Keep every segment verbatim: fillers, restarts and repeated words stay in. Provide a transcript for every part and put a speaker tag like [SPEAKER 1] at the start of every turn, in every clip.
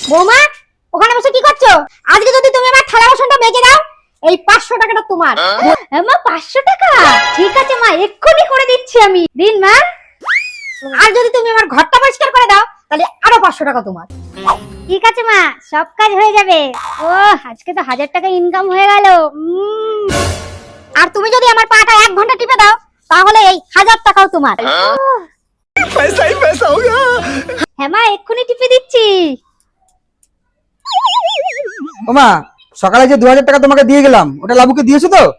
[SPEAKER 1] বৌমা ওখানে বসে কি করছো? আজকে যদি তুমি আমার থালা বাসনটা মেজে দাও এই পাঁচশো টাকাটা তোমার।
[SPEAKER 2] মা পাঁচশো টাকা? ঠিক আছে মা, এক্ষুনি করে দিচ্ছি আমি। দিন মা।
[SPEAKER 1] আর যদি তুমি আমার ঘরটা পরিষ্কার করে দাও তাহলে আরো পাঁচশো টাকা তোমার।
[SPEAKER 2] ঠিক আছে মা, সব কাজ হয়ে যাবে। ও আজকে তো হাজার টাকা ইনকাম হয়ে গেল।
[SPEAKER 1] আর তুমি যদি আমার পাটা এক ঘন্টা টিপে দাও তাহলে এই হাজার টাকাও তোমার।
[SPEAKER 3] पैसा ही पैसा होगा।
[SPEAKER 2] হ্যাঁ মা, এক্ষুনি টিপে দিচ্ছি।
[SPEAKER 4] ওমা, সকালে যে দু হাজার টাকা তোমাকে দিয়ে গেলাম ওটা লাবুকে দিয়েছো তো?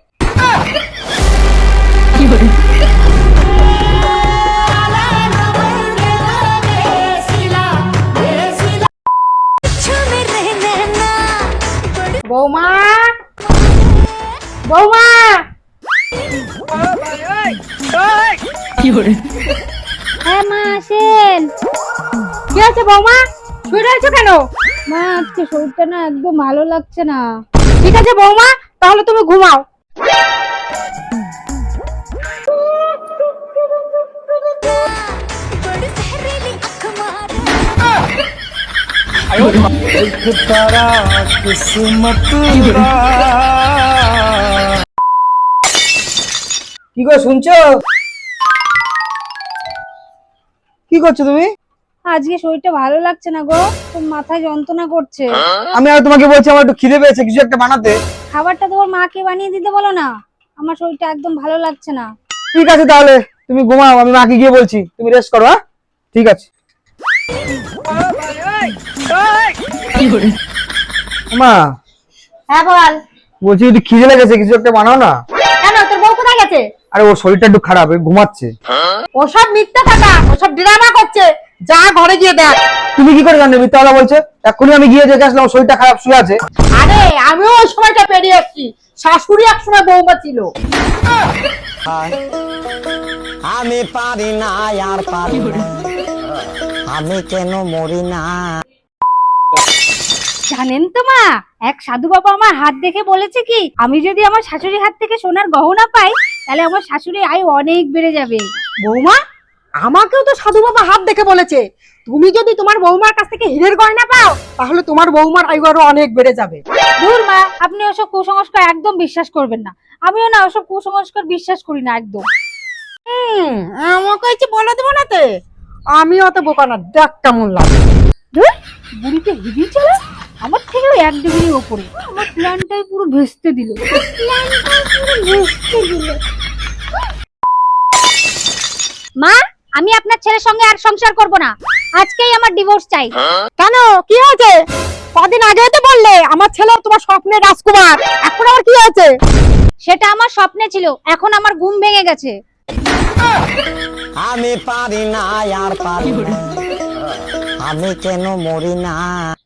[SPEAKER 1] বৌমা বৌমা
[SPEAKER 2] হ্যাঁ মা, আসেন।
[SPEAKER 1] কি আছে বৌমা? শুয়ে রয়েছো কেন?
[SPEAKER 2] মা আজকে শরীরটা না একদম ভালো লাগছে না।
[SPEAKER 1] ঠিক আছে বৌমা, তাহলে তুমি ঘুমাও।
[SPEAKER 4] কি গো শুনছো? কি করছো তুমি?
[SPEAKER 2] আজকে শরীরটা ভালো লাগছে না গো, তোর মাথায় যন্ত্রণা করছে।
[SPEAKER 4] আমি আর তোমাকে বলছি আমার একটু খিদে পেয়েছে, কিছু একটা বানাতে।
[SPEAKER 2] খাবারটা তোমার মাকে বানিয়ে দিতে বলো না, আমার শরীরটা একদম ভালো লাগছে না।
[SPEAKER 4] ঠিক আছে তাহলে তুমি ঘুমাও, আমি মাকে গিয়ে বলছি, তুমি রেস্ট করো। হ্যাঁ ঠিক আছে। মা
[SPEAKER 1] হ্যাঁ বল।
[SPEAKER 4] বলছি একটু খিদে লেগেছে, কিছু একটা বানাও না।
[SPEAKER 1] কেন, তোর বউ কোথায় গেছে?
[SPEAKER 4] আরে ওর শরীরটা একটু খারাপ, এই ঘুমাচ্ছে।
[SPEAKER 1] ওসব মিথ্যা কথা, ওসব ড্রামা করছে। যা ঘরে গিয়ে দেখ।
[SPEAKER 4] তুমি কি করে জানলে মিথ্যা কথা বলছে? এক্ষুনি আমি গিয়ে দেখে আসলাম ওর শরীরটা খারাপ, শুয়ে আছে।
[SPEAKER 1] আরে আমিও ওই সময়টা পেরিয়ে এসেছি। শাশুড়ি এক সময় বৌমা ছিল।
[SPEAKER 5] আমি পারি না আর পারি না, আমি কেন মরি না।
[SPEAKER 2] জানেন তো মা, এক সাধু বাবা আমার হাত দেখে বলেছে কি, আমি যদি আমার শাশুড়ির হাত থেকে সোনার গহনা পাই তাহলে আমার শাশুড়ি আয় অনেক বেড়ে যাবে।
[SPEAKER 1] বৌমা, আমাকেও তো সাধু বাবা হাত দেখে বলেছে তুমি যদি তোমার বৌমার কাছ থেকে হীরের গয়না পাও তাহলে তোমার বৌমার আয়ু আরো অনেক বেড়ে যাবে।
[SPEAKER 2] দূর মা, আপনি ওসব কুসংস্কার একদম বিশ্বাস করবেন না। আমিও না ওসব কুসংস্কার বিশ্বাস করি না একদম।
[SPEAKER 1] হুম, আমাকে হচ্ছে বলে দেবো নাতে। আমি অত বোকা না, দেখ কেমন লাগে।
[SPEAKER 2] ধুর, বুড়িতে হেভি চলে, আমার থেকেও এক ডিগ্রি ওপরে। আমার প্ল্যানটাই পুরো ভেস্তে দিল। প্ল্যানটাই পুরো ভেস্তে দিল। মা, আমি আপনার ছেলের সঙ্গে আর সংসার করব না। আজকেই আমার ডিভোর্স চাই।
[SPEAKER 1] কেন, কি হয়েছে? কদিন আগে তো বললে আমার ছেলে তোমার স্বপ্নের রাজকুমার, এখন আবার কি হয়েছে?
[SPEAKER 2] সেটা আমার স্বপ্নে ছিল, এখন আমার ঘুম ভেঙে গেছে।
[SPEAKER 5] আমি পারি না আর পারি না, আমি কেন মরি না।